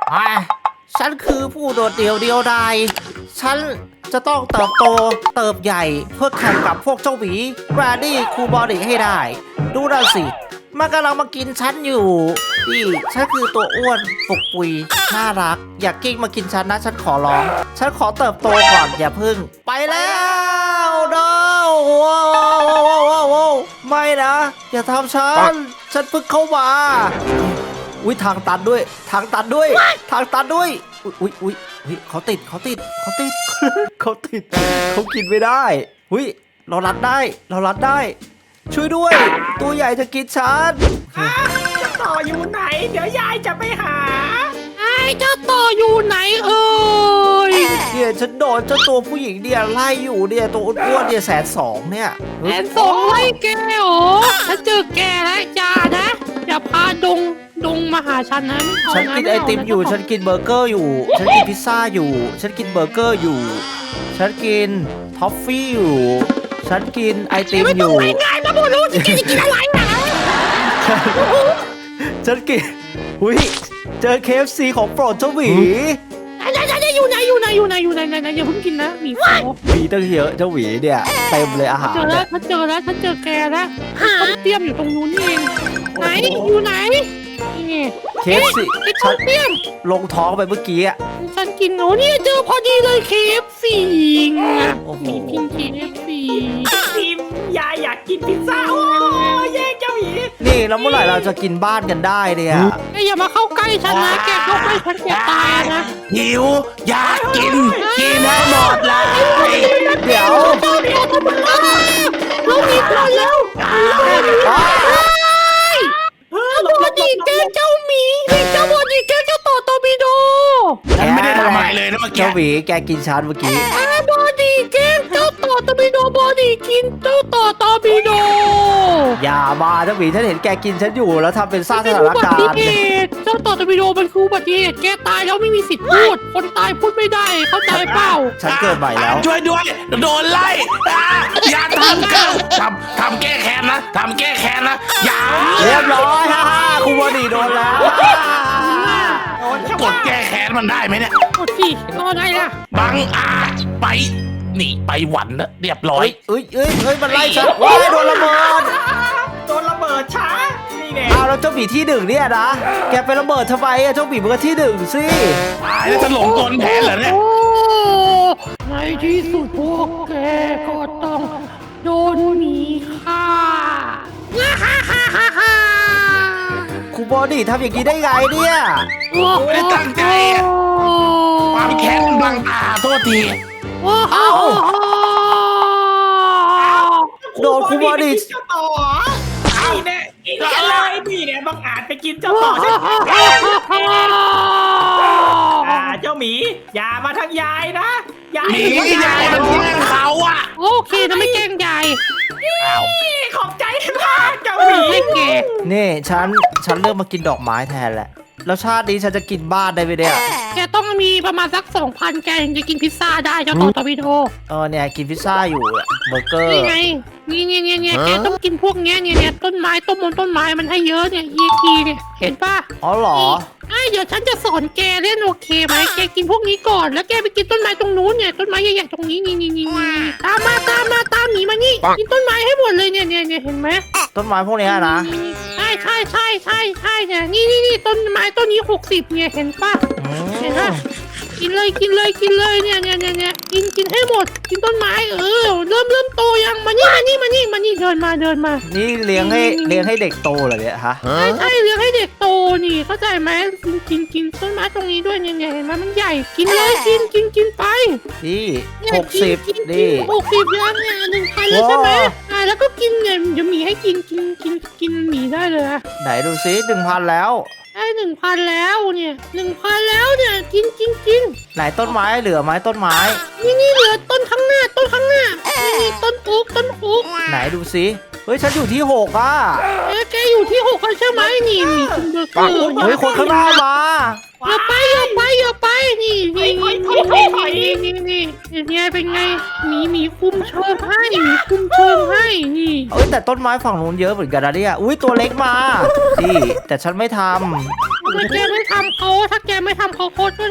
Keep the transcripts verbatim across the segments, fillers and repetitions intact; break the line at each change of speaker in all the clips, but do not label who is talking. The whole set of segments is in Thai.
อ่ะฉันคือผู้โดดเดี่ยวเดียวดายฉันจะต้องเติบโตเติบใหญ่เพื่อแข่งกับพวกเจ้าหมีแบรดี้คูบอดี้ให้ได้ดูนั่นสิมันกำลังมากินฉันอยู่นี่ฉันคือตัวอ้วนปุกปุยน่ารักอย่ากิ้งมากินฉันนะฉันขอร้องฉันขอเติบโตก่อนอย่าพึ่งไปแล้วโน้ไม่นะอย่าทำฉันฉันเพิ่งเข้ามาอุ้ยทางตันด้วยทางตันด้วยทางตันด้วยอุ้ยอุ้ยอุ้ยเขาติดเขาติดเขาติด เขาติดเขากินไม่ได้อุ้ยเรารัดได้เรารัดได้ช่วยด้วยตัวใหญ่จะกินฉัน
จะต่ออยู่ไหน เดี๋ยวยายจะไปหา
ไอ้เจ้าต่ออยู่ไหนเอ่ย
เนี่ยฉันโดนเจ้าตัวผู้หญิงเนี่ยไล่อยู่เนี่ยตัวอ้วนๆเนี่ยแสนสองเนี่ย
แอนสองไล่แกเหรอถ้าเจอแกแล้วอย่านะอย่าพาดงดงมาหาฉันนะไม่เอา
ฉันกิน
นะ
ไอ
ม่เา
ติมอยู่
นะ
ฉันกินเบอร์เกอร์อยู่ ฉันกินพิซซ่าอยู่ ฉันกินเบอร์เกอร์อยู่ ฉันกินท็อฟฟี่อยู่ ฉันกินไอติม
ไม่
อ
ต้อง
ยู่
ไปไงมาบอกรู้จะกินจะกินอะไรนะ
ฉันกินหุยเจอ เค เอฟ ซี ของโปรดเจ้าหมี
ไอ้ไอ้ไอ้อยู่ไหนอยู่ไหนอยู่ไหนอยู่ไหนไหนไหนอย่าเพิ่งกินนะหมีโฟ
มีตั้งเยอะเจ้าหมีเนี่ยเต็มเลยอาหาร
เจอแล้วฉันเจอแล้วฉันเจอแกแล้วต้มเตี้ยมอยู่ตรงนู้นนี่เองไหนอยู่ไหนนี่
เค เอฟ ซี
ไอ้
ฉั
ต้
น
มเตี้ยม
ลงท้องไปเมื่อกี้อะ
ฉันกินโอ้นี่เจอพอดีเลย เค เอฟ ซี ไง
โอ้โห
มีพิง เค เอฟ ซี
ทีมยายอยากกินพิซซ่า โอ้ยแย่งเจ้าหมี
นี่แล้วเมื่อไหร่เราจะกินบ้านกันได้เนี่ย
แกอย่ามาเข้าใกล้ฉันนะแกเข้าใกล้ฉันแกตายนะ
หิวอยากกิน กินให้หมดเลย
เดี๋ยว
เราหนีก่อนแล้ว
อ้าว
เออ
เจ้าบอดีแกเจ้าหมีเจ้าบอดีแกเจ้าต่อตอร์ปิโด
ฉันไม่ได้ทำอะไรเลยนะเมื่อกี้
เจ้าหมีแกกินฉันเมื่อกี้
อาบอดีแกเจ้าต่อตอร์ปิโดบอดีกินเจ้าต่อตอร์ปิโด
อย่ามาเจ้าหมีฉันเห็นแกกินฉันอยู่แล้วทำเป็นสร้างส
เป็น
ถา
อุ
น
บั
การ
ติ
ณ์
เหตุเจ้าต่อตอร์ปิโดมันคืออุบัติเหตุแกตายแล้วไม่มีสิทธิ์พูดคนตายพูดไม่ได้เข้าใจเปล่า
ฉันเกิดใหม่แล้ว
ช่วยด้วย โดนไล่อ่ะอย่าทำกันทำทำแก้แค้นนะทำแก้แค้นนะอย่า
เรียบร้อยฮ่าฮ่าคุณบอดีโดนแล้ว
โดนชาว
ก
บ้า
ด
น
แก้แค้นมันได้ไหมเนี่ย
กดสิรอไงล่ะ
บังอาจไปหนีไปหวันนะเรียบร้อ
เอ้
ย
ยเอ้ยเอ้ยเอ้ยมันไล่ฉันว้ายโดนระเบิด
โดนระเบิดช้า นี่แน่
เอาแล้วเจ้าหมีที่หนึ่งเนี่ยนะ แกไประเบิดทำไมอะเจ้าหมีมันก็ที่หนึ่งสิ
ตายแล้วจะหลงกลแผนเหรอเนี่ย
โอ้ในที่สุดพวกแกก็ต้องโดนหมีฆ่าฮ่าฮ่าฮ่าฮ่าฮ่า
คุณบอดีทำอย่างนี้ได้ไงเนี่ย
ไม่ได้ตั้งใจอะ ความแค้นมันบังตาโทษที
เอ้า โดนคุณบอดี
ไปกินเจ้าต่อนี่แน่กินกันเลยนี่แน่บังอาจไปกินเจ้าต่อฉันอ่าเจ้าหมี อย่ามาทางยายนะ ยาย
หนียายมันแย่งเขาอ่ะ
โอเคนะไม่แกล้งยาย
อ้าว
ขอบใจมากเจ้าหมี
ให้แก
นี่ฉันฉันเลือกมากินดอกไม้แทนแหละ แล้วชาตินี้ฉันจะกินบ้านได้ไหมเนี่ย
แกต้องมีประมาณสักสองพันแกถึงจะกินพิซซ่าได้เจ้าต่อตอร์ปิโด
เออเนี่ยกินพิซซ่าอยู่อะเบอร์เกอร์
นี่ไง นี่เนี่ยเนี่ยเนี่ยแกต้องกินพวกเนี้ยเนี่ยเนี่ยต้นไม้ต้นมนต้นไม้มันให้เยอะเนี่ยยีทีเนี่ยเห็นปะ
อ๋อเหรอ
ไอ้เดี๋ยวฉันจะสอนแกเล่นโอเคไหมแกกินพวกนี้ก่อนแล้วแกไปกินต้นไม้ตรงนู้นเนี่ยต้นไม้ใหญ่ๆตรงนี้นี่นี่นี่นี่ตามมาตามมาตามหนีมานี่กินต้นไม้ให้หมดเลยเนี่ยเนี่ยเนี่ยเห็นไหม
ต้นไม้พวกเนี้ยนะ
ใช่ใช่ใช่ใช่ใช่เนี่ยนี่นี่นี่ต้นไม้ต้นนี้หกสิบเนี่ยเห็นปะ
อืม
เห็นปะกินเลยกินเลยกินเลยเนี่ยเนี่ยเนี่ยเนี่ยกินกินให้หมด กินต้นไม้เออเริ่มเริ่มโตยังมานี่มานี่มานี่มานี่เดินมาเดินมา
นี่เลี้ยงให้เลี้ยงให้เด็กโตเหรอเนี่ยฮะ
ใช่ใช่เลี้ยงให้เด็กโตนี่เข้าใจไหมกินกินกินต้นไม้ตรงนี้ด้วยเนี่ยเนี่ยเห็นไหมมันใหญ่กินเลยกินกินกินไป
นี่
เนี่ย
หกสิบ
กินกิน
นี่
หกสิบยังเนี่ยหนึ่งพันเลยใช่ไหม
ว้าว
อ่าแล้วก็กินเนี่ยเดี๋ยวหมีให้กินกินกินกินหมีได้เลยอะ
ไหนดูซิหนึ่งพันแล้ว
ได้หนึ่งพันแล้วเนี่ยหนึ่งพันแล้วเนี่ยกินกินกิน
ไหนต้นไม้เหลือไหมต้นไม้
นี่นี่เหลือต้นข้างหน้าต้นข้างหน้านี่นี่ต้นอุ๊กต้นอุ๊ก
ไหนดูซิเฮ้ยฉันอยู่ที่หกอ่ะ
เอ๊ะแกอยู่ที่หกแล้วใช่ไหมนี่มีคุณเบอร์เกอร์
เฮ้ยคนข้างหน้ามา
อย่าไปอย่าไปอย่าไปนี่นี่นี่นี่นี่นี่เป็นไงเป็นไงหมีหมีคุมเชิงให้หมีคุมเชิงให้นี่
เอ้ยแต่ต้นไม้ฝั่งนู้นเยอะเหมือนกันนะเนี่ยอุ้ยตัวเล็กมานี่แต่ฉันไม่ทำ
ถ้าแกไม่ทำเขาถ้าแกไม่ทำเขา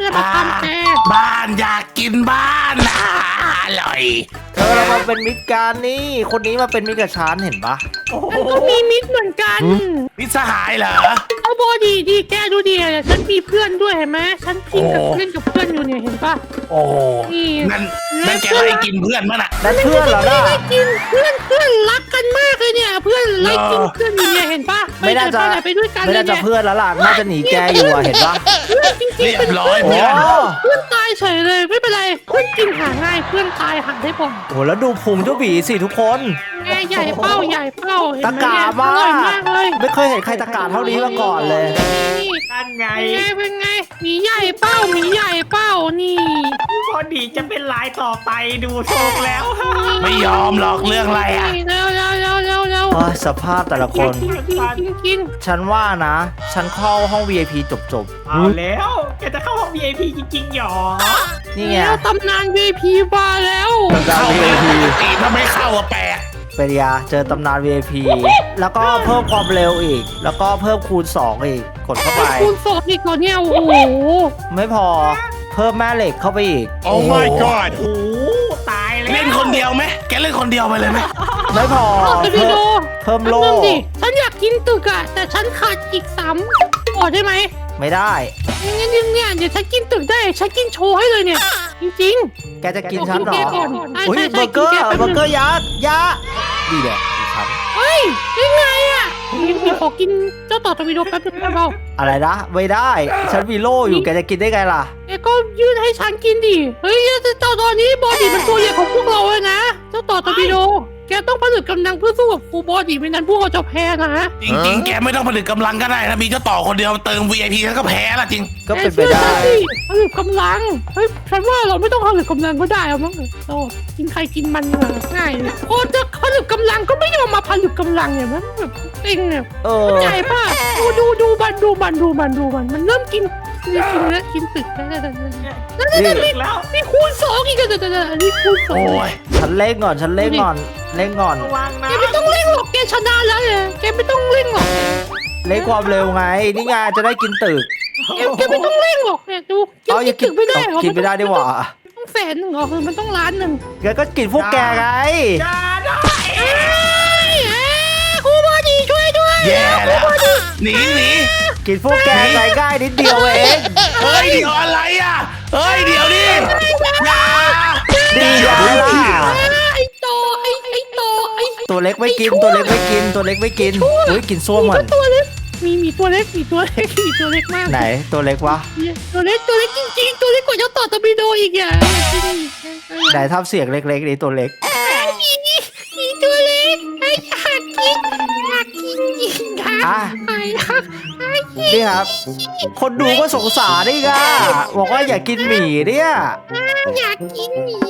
จะมาทำแก
บ้านอยากกินบ้านอ่ะอร่อย
เธอเรามาเป็นมิตรกันนี่ คนนี้มาเป็นมิตรกับฉันเห็นปะ
โอ้โห
ก็มีมิตรเหมือนกัน
มิตรสหายเหรอ
เอาบอดีดีแกดูดิฉันมีเพื่อนด้วยเห็นไหมฉันพิงกับ
โอ้
เล่นกับเพื่อนอยู่เนี่ยเห็นปะ
โอ้โห
นี่
นั่นนั่นแกไล่กินเพื่อนมั้งน่ะ
นั่นเพื่อนเหรอ
ไม่
ล่ะ
ได้กินเพื่อนเพื่อนรักกันมากเลยเนี่ย เพื่อนไล่กินเพื่อนอยู่เนี่ยเห็นปะ
ไม่น่าจะ
ไปไหนไปด้วยกัน
ไม่
เลย
น่าจะ
เนี่ย
เพื่อนแล้วล่ะ น่าจะหนีแกอยู่อะเห็นปะ
เพื่อนจริง
เรี
ๆ
ย
เป็น
บร้อย
โอ้
เพื่อน
เพื่อนตายเฉยเลยไม่เป็นไรเพื่อนกินหาง่ายเพื่อนตายหาได้บ่อย
โหแล้วดูพุงเจ้าหวีสิทุกคน
แม่ใหญ่เป้าใหญ่เป้าเห็น
ตะ
ไหม
กา
เนี่ย
มา
อร่อย
ก
มากเลย
ไม่เคยเห็นใครตะกาเท่านี้มาก่อนเลย
นี่
นั่นไง
เป็นไงเป็นไงหมีใหญ่เป้าหมีใหญ่เป้านี่
พอดีจะเป็นลายต่อไปดูทรงแล้ว
ไม่ยอมหรอกเรื่องอะไรอ่ะ
เร็วเร็วเร็วเร็วเร็ว
โอ้ยสภาพแต่ละคน
กินกินกินกิน
ฉันว่านะ ฉันเข้าห้อง วี ไอ พี จบจบ
เอาแล้วแกจะเข้าห้อง วี ไอ พี จริงๆหรอ
ๆนี่ไง
แล้วตำนาน วี ไอ พี มาแล้ว
ตำนาน
เข้า
วี
ไป
ไอ พี
ปกติถ้าไม่เข้าอะแปลก
เป็นยาเจอตำนาน วี ไอ พี แล้วก็เพิ่มความเร็วอีก แล้วก็เพิ่มคูณ สอง อีก กดเข้าไป
คูณสองอีกเหรอเนี่ยโอ้โห
ไม่พอเพิ่มแม่เหล็กเข้าไปอีก
โอ้ my god
โอ้โหตายแล้ว
เล่นคนเดียวไหมแกเล่นคนเดียวไปเลยไหม
ไม่พอ
เอาไป
เพิ่
ดู
มเพิ่มโล่
แป๊บนึงดิฉันอยากกินตึกอะแต่ฉันขาดอีกสามขอได้ไหม
ไม่ได้
งั้นเนี่ยเนี่ยเดี๋ยวฉันกินตึกได้ฉันกินโชว์ให้เลยเนี่ย จริง
แกจะ
ๆ
กินฉันเหรอ
แกก่อนใช่
อุ้ย
ใช่
เบ
ใช่
อร์เกอร์
กินแป๊บ
เบอ
นึ
ร์
ง
เกอร์ยักษ์ยักษ์ดีแหละอีกครั้ง
เฮ้ยยังไงอะมีมีขอกินเจ้าต่อตะวิโดแป๊บนึงได้เปล่า
อะไรนะไม่ได้ ฉันมีโล่อยู่แกจะกินได้ไงล่ะ
แกก็ยื่นให้ฉันกินดิเฮ้ยเจ้าตอนนี้บอดี้มันตัวใหญ่ของพวกเราเลยนะเจ้าต่อตะวิโดแกต้องผลึกกำลังเพื่อสู้กับครูบอดี้ไม่นั้นพวกเราจะแพ้นะ
จริงๆ แกไม่ต้องผลิตกำลังก็ได้ถ้ามีเจ้าต่อคนเดียวเติม วี ไอ พี ฉันก็แพ้ละจริง
ก็เป็นไปได้
ผลึกกำลัง เฮ้ย ฉันว่าเราไม่ต้องผลึกกำลังก็ได้เอามั้งโอ้กินใครกินมันมาง่ายเลยโอ้จะผลึกกำลังก็ไม่ยอมมาผลึกกำลังเนี่ยมันแบบเองเนี่ย
เออ
ใหญ่ป่ะดูดูดูมันดูมันดูมันดูมันมันเริ่มกินกินกินแล้วกินตึกแล้วแล้วแล้วแล้ว
นี่
แล้วมี
แล้ว
มีคูณสองอีกเดี๋ยวเดี๋ยวเดี๋ยวอันนี้คูณสอง
โอ้ย
ฉันเล่งก่อนฉันเล่งก่อนเล่งก่อน
ระวังนะ
แกไม่ต้องเร่งหรอกแกชนะแล้วเนี่ยแกไม่ต้องเร่งหรอก
เล่งความเร็วไงนี่ไงจะได้กินตึก
แกแกไม่ต้องเร่งหรอกเนี่ยดูกิน
เอาอย่า
ตึกไม่ได้เหรอ
กินไม่ได้ดีกว่า
ต้องแสนหนึ่งเหรอคือมันต้องล้านหนึ่ง
แกก็กินพวกแกไง
อย่าได้
เอ้ยเอ้ยครูบอดีช่วยด้วย
แย่แล้วหนีหนี
กินพวกแกไงง่ายนิดเดียวเอง
เฮ้ยเดี๋ยวอะไรอ่ะเฮ้ยเดี๋ยวดิอย่า
ดีอย่างนั้นล่ะ
ไอ้โตไอ้ไอ้โตไอ้
ตัวเล็กไม่กินตัวเล็กไม่กินตัวเล็กไม่กินอุ้ยกินส้วมเหมือน
ตัวเล็กมีมีตัวเล็กมีตัวเล็กมีตัวเล็กมาก
ไหนตัวเล็กวะ
ตัวเล็กตัวเล็กจริงๆตัวเล็กกว่าเจ้าต่อตะบิโดอีกอ่ะ
ไหนทำเสียงเล็กๆนี่ตัวเล็ก
มีมีตัวเล็กไอ้อยากกินอยากกินจริงค่ะ
อ่ะ
ไอ้รักไอ้กิน
นี่ครับ คนดูก็สงสารนี่ค่ะบอกว่าอย่ากินหมี่เนี่ย
อยากกินหมี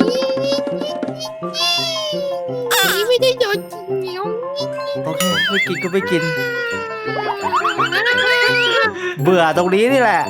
หมีไม่ได้โดนกินเหนียว
โอเคไม่กินก็ไม่กิน เบื่อตรงนี้นี่แหละ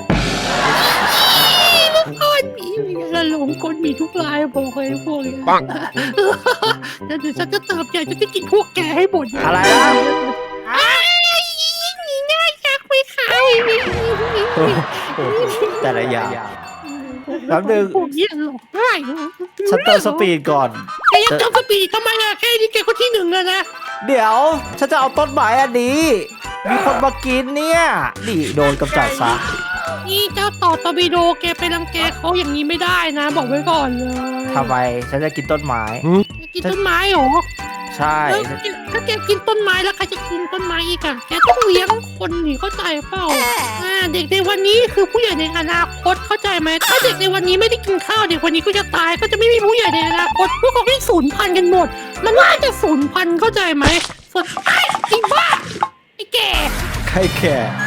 ก้อนหมีมีอะไรหลงก้นหมีทุกลายบอกเลยพวกนี้ปังเดี๋ยวฉันจะเติมใหญ่จะได้กินพวกแกให้หมด
อะไรนะ
ไอ้หมีน่ารักไหมคะ
โอ้โหแต่ละอย่าง แป๊บนึง
พวกนี้หลอกง่าย
ฉันเติมสปีดก่อน
แกยังเติมสปีดทำไมล่ะแค่นี้แกก็ที่หนึ่งเลยนะ
เดี๋ยวฉันจะเอาต้นไม้อันนี้ มีคนมากินเนี่ยนี่โดนกำจัดซะ
นี่เจ้าต่อตอร์บิโดแกไปรังแกเขาอย่างนี้ไม่ได้นะ บอกไว้ก่อนเลย
ทำไมฉันจะกินต้นไม้
แกกินต้นไม้เหรอ
ใช่
แล้วแกถ้าแกกินต้นไม้แล้วใครจะกินต้นไม้อีกอะแกต้องเลี้ยงคนนี่เข้าใจเปล่าอ่าเด็กในวันนี้คือผู้ใหญ่ในอนาคตเข้าใจไหมถ้าเด็กในวันนี้ไม่ได้กินข้าวเด็กวันนี้ก็จะตายก็จะไม่มีผู้ใหญ่ในอนาคตพวกเขาที่สูญพันธุ์กันหมด มันน่าจะสูญพันธุ์เข้าใจไหมส่วนไอ้ไอ้บ้าไอ้แก่
ใครแก่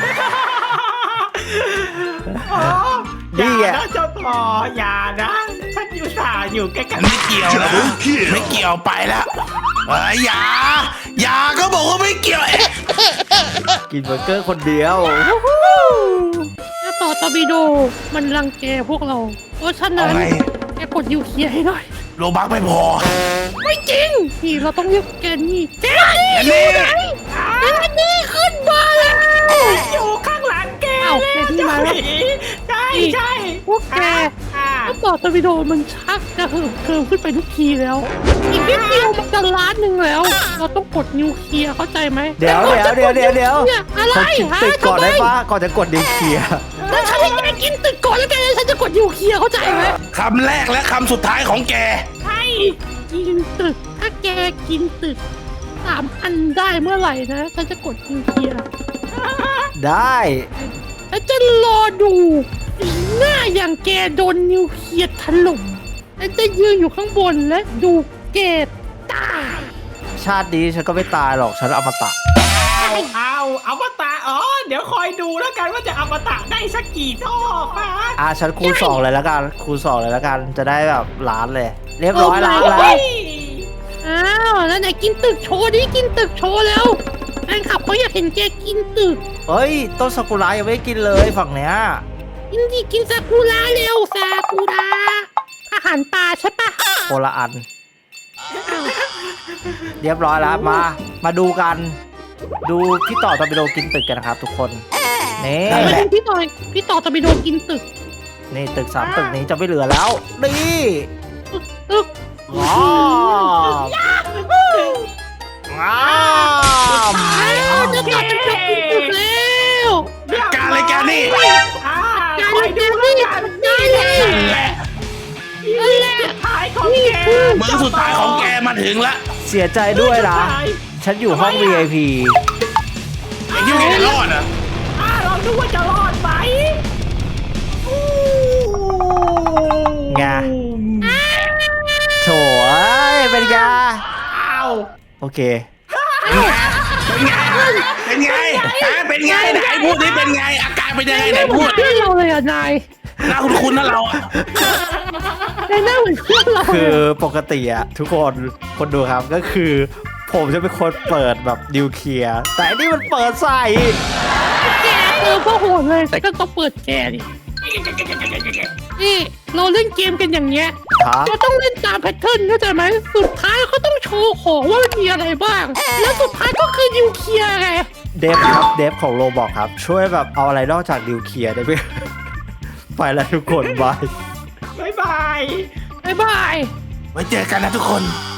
อ๋อ
นี่
อย่า
ไง
นะเจ้าต่ออย่านะฉันอยู่สาอยู่ใกล้กัน
ไม่เกี่ยวนะไม่เกี่ยวไปแล้วเอ้ยอย่าอย่าก็บอกว่าไม่เกี่ยวเอ๊ะ
กินเบอร์เกอร์คนเดียว
ถ้าต่อตอร์บิโดมันรังแกพวกเรา เพราะฉะ
เอา
นั้น
ไง
แกกดยูเคลียร์ให้หน่อย
โลบักไม่พอ
ไม่จริง นี่เราต้องเรียกแกนี่แกนี่
อันนี้
แกนี่ขึ้นมาแล้ว
อยู่ข้างหลังแก
เอ้าแกนี่มาแล้ว
ใช่ใช่
พวกแก
อ่า
ถ้าต่อตอร์ปิโดมันชักจะเหิมเกิมขึ้นไปทุกทีแล้ว อีกนิดเดียวมันจะล้านหนึ่งแล้ว เราต้องกดนิวเคลียร์เข้าใจไหม
เดี๋ยวเดี๋ยวเดี๋ยวเดี๋ยวเดี๋ยว
เนี่ยอะไร
เขากิน
ฮะ
ตึกก่อนได้
ทำม
ปะก่อนจะกดนิวเคลียร์
แล้วฉันให้แกกินตึกก่อนแล้วแกฉันจะกดนิวเคลียร์เข้าใจไหม
คำแรกและคำสุดท้ายของแก
ใช่
กินตึก ถ้าแกกินตึกสามอันได้เมื่อไหร่นะฉันจะกดนิวเคลียร์
ได้
แล้วจะรอดูสีหน้าอย่างแกโดนนิวเคลียร์ถล่มแล้วจะยืนอยู่ข้างบนและดูแกตาย
ชาตินี้ฉันก็ไม่ตายหรอกฉันอมตะ
เอาเอาอมตะอ๋อเดี๋ยวคอยดูแล้วกันว่าจะอมตะได้สักกี่ท่อฟ้า
อ่ะฉันคูณสองเลยแล้วกันคูณสองเลยแล้วกันจะได้แบบล้านเลย เรียบร้อยล้านแล้ว
อ้าวแล้วไหนกินตึกโชว์ดิกินตึกโชว์แล้วแฟนคลับเขาอยากเห็นแกกินตึก
เฮ้ยต้นซากุระยังไม่ได้กินเลยฝั่งเนี้ย
กินดิกินซากุระเร็วซากุระอาหารปลาใช่ปะ
โคนละอัน เรียบร้อยแล้วมา มาดูกัน ดูพี่ต่อตอร์ปิโดกินตึกกันนะครับทุกคนนี่
นั่นแหละ
พี่ต่อพี่ต่อตะบิโดกินตึก
นี่ตึกสามตึกนี้จะไม่เหลือแล้วนี่
ตึกตึก
ว้าวว้าว
อ้าวจะต่อตะบิโดกินตึกแล้ว
การเลยแกนี่
อ่า
การ
คอย
เล่
ดู
น
แล้ว
นี่
กัน
ได้เลย
นั่นแหละ
นั่นแหละ
ท้ายของ
นี่
แก
คือ
มือสุดท้ายของแกมาถึงละ
เสียใจด้วยนะ ฉันอยู่ห้อง วี ไอ พี
ไอ้ที่แกจะรอดอ่ะ
อ่าเราดูว่าจะรอดไหม
ไงโถเอ้ยเป็นไง
อ้าว
โอเค
เป็นไงเป็นไงฮะเป็นไงไหนพูดดิเป็นไง อาการเป็นยังไงไหน
เหมื
พู
อ
ด
นเพื่อนเราเลยอ่ะนาย
หน้าคุ้นๆนะเราอะ
นายหน้าเหมือนเพื่อนเรา
คื
เล
อย ปกติอะทุกคนคนดูครับก็คือ ผมจะเป็นคนเปิดแบบนิวเคลียร์แต่อันนี่มันเปิดใส่
แกเออพ่อโหดเลยแต่ก็ต้องเปิดแกดินี่เราเล่นเกมกันอย่างเงี้ย
ครับ
เราต้องเล่นตามแพทเทิร์นเข้าใจไหมสุดท้ายเขาต้องโชว์ของว่ามันมีอะไรบ้าง แล้วสุดท้ายก็คือนิวเคลียร์ไง
เดฟครับเดฟของโรบอกครับ ช่วยแบบเอาอะไรนอกจากนิวเคลียร์ได้ไหม ไปแล้วทุกคนบาย
บ๊ายบาย
บ๊ายบาย
ไว้เจอกันนะทุกคน
บ